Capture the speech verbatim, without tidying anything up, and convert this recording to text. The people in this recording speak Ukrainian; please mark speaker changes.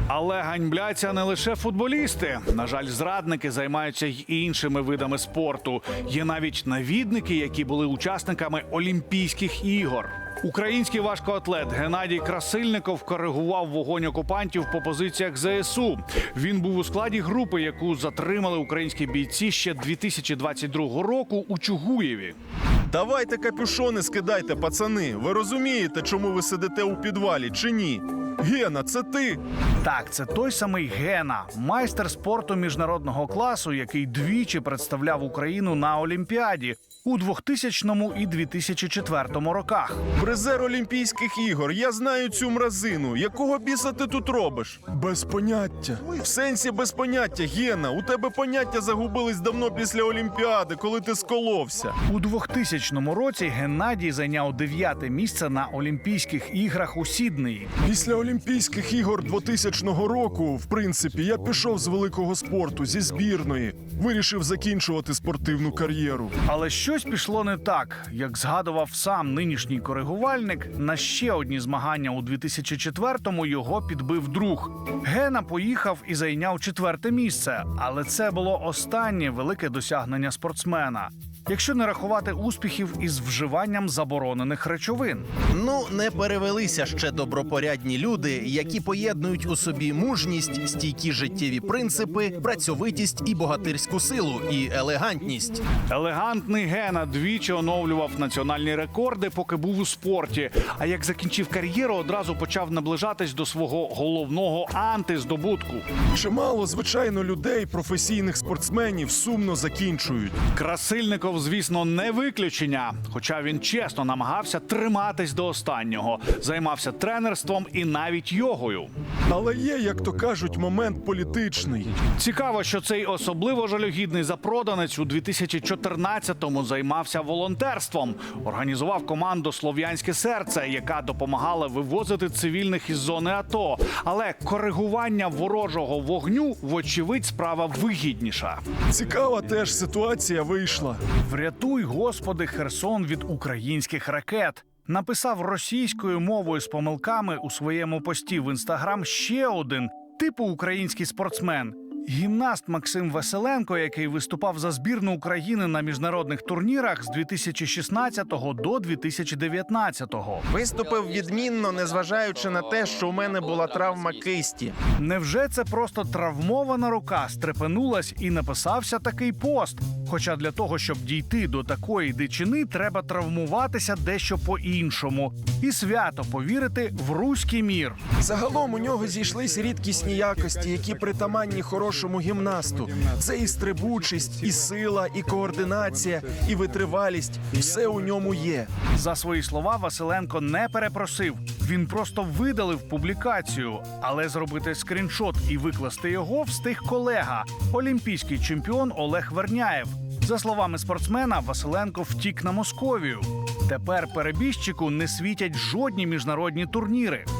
Speaker 1: Але ганьбляться не лише футболісти. На жаль, зрадники займаються й іншими видами спорту. Є навіть навідники, які були учасниками Олімпійських ігор. Український важкоатлет Геннадій Красильников коригував вогонь окупантів по позиціях зе ес у. Він був у складі групи, яку затримали українські бійці ще дві тисячі двадцять другого року у Чугуєві.
Speaker 2: Давайте капюшони скидайте, пацани. Ви розумієте, чому ви сидите у підвалі, чи ні? Гена, це ти?
Speaker 1: Так, це той самий Гена, майстер спорту міжнародного класу, який двічі представляв Україну на Олімпіаді у двохтисячному і дві тисячі четвертому роках.
Speaker 2: Призер Олімпійських ігор. Я знаю цю мразину. Якого біса ти тут робиш? Без поняття. В сенсі без поняття, Гена. У тебе поняття загубились давно після Олімпіади, коли ти сколовся.
Speaker 1: У двохтисячному році Геннадій зайняв дев'яте місце на Олімпійських іграх у Сіднеї.
Speaker 2: Після Олімпійських ігор двохтисячного року, в принципі, я пішов з великого спорту, зі збірної. Вирішив закінчувати спортивну кар'єру.
Speaker 1: Але щось пішло не так. Як згадував сам нинішній коригувальник, на ще одні змагання у дві тисячі четвертому його підбив друг. Гена поїхав і зайняв четверте місце, але це було останнє велике досягнення спортсмена, якщо не рахувати успіхів із вживанням заборонених речовин.
Speaker 3: Ну, не перевелися ще добропорядні люди, які поєднують у собі мужність, стійкі життєві принципи, працьовитість і богатирську силу, і елегантність.
Speaker 1: Елегантний Гена двічі оновлював національні рекорди, поки був у спорті. А як закінчив кар'єру, одразу почав наближатись до свого головного антиздобутку.
Speaker 2: Чимало, звичайно, людей, професійних спортсменів сумно закінчують.
Speaker 1: Красильников, звісно, не виключення. Хоча він чесно намагався триматись до останнього. Займався тренерством і навіть йогою.
Speaker 2: Але є, як то кажуть, момент політичний.
Speaker 1: Цікаво, що цей особливо жалюгідний запроданець у дві тисячі чотирнадцятому займався волонтерством. Організував команду «Слов'янське серце», яка допомагала вивозити цивільних із зони АТО. Але коригування ворожого вогню, вочевидь, справа вигідніша.
Speaker 2: Цікава теж ситуація вийшла.
Speaker 1: «Врятуй, Господи, Херсон від українських ракет», написав російською мовою з помилками у своєму пості в Інстаграм ще один типу український спортсмен. Гімнаст Максим Василенко, який виступав за збірну України на міжнародних турнірах з дві тисячі шістнадцятого до дві тисячі дев'ятнадцятого.
Speaker 3: Виступив відмінно, незважаючи на те, що у мене була травма кисті.
Speaker 1: Невже це просто травмована рука стрепенулась і написався такий пост? Хоча для того, щоб дійти до такої дичини, треба травмуватися дещо по-іншому. І свято повірити в руський мір.
Speaker 4: Загалом у нього зійшлись рідкісні якості, які притаманні хорошому гімнасту. Це і стрибучість, і сила, і координація, і витривалість. Все у ньому є.
Speaker 1: За свої слова Василенко не перепросив. Він просто видалив публікацію. Але зробити скріншот і викласти його встиг колега – олімпійський чемпіон Олег Верняєв. За словами спортсмена, Василенко втік на Московію. Тепер перебіжчику не світять жодні міжнародні турніри.